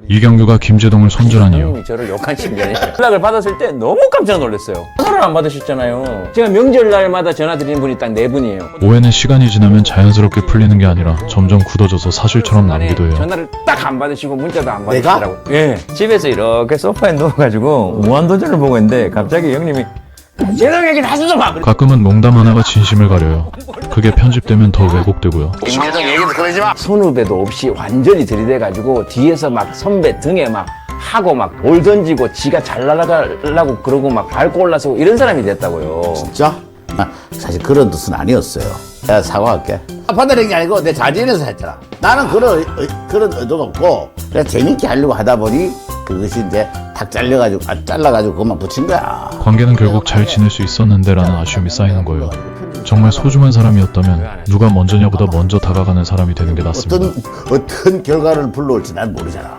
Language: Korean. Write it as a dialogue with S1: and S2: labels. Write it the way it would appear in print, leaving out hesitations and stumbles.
S1: 이경규가 김제동을 손절한 이유.
S2: 형님이 저를 욕한 신년에 연락을 받았을 때 너무 깜짝 놀랐어요. 전화를 안 받으셨잖아요. 제가 명절날마다 전화 드리는 분이 딱 4분이에요.
S1: 오해는 시간이 지나면 자연스럽게 풀리는 게 아니라 점점 굳어져서 사실처럼 남기도 해요.
S2: 전화를 딱 안 받으시고 문자도 안 받으시더라고요. 예. 집에서 이렇게 소파에 누워가지고 무한도전을 보고 있는데 갑자기 형님이 제동 얘기 다시 좀 하.
S1: 가끔은 농담 하나가 진심을 가려요. 그게 편집되면 더 왜곡되고.
S2: 김제동 얘기도 그러지 마. 선후배도 없이 완전히 들이대가지고 뒤에서 막 선배 등에 막 하고 막 돌 던지고 지가 잘 날아가려고 그러고 막 밟고 올라서고 이런 사람이 됐다고요.
S3: 진짜? 사실 그런 뜻은 아니었어요. 내가 사과할게. 받아낸 게 아니고 내 자진해서 했잖아. 나는 그런 의도가 없고 그냥 재밌게 하려고 하다 보니 그것이 이제 탁 잘라가지고 그것만 붙인 거야.
S1: 관계는 결국 잘 지낼 수 있었는데 라는 아쉬움이 쌓이는 거예요. 정말 소중한 사람이었다면 누가 먼저냐보다 먼저 다가가는 사람이 되는 게 낫습니다.
S3: 어떤 결과를 불러올지 난 모르잖아.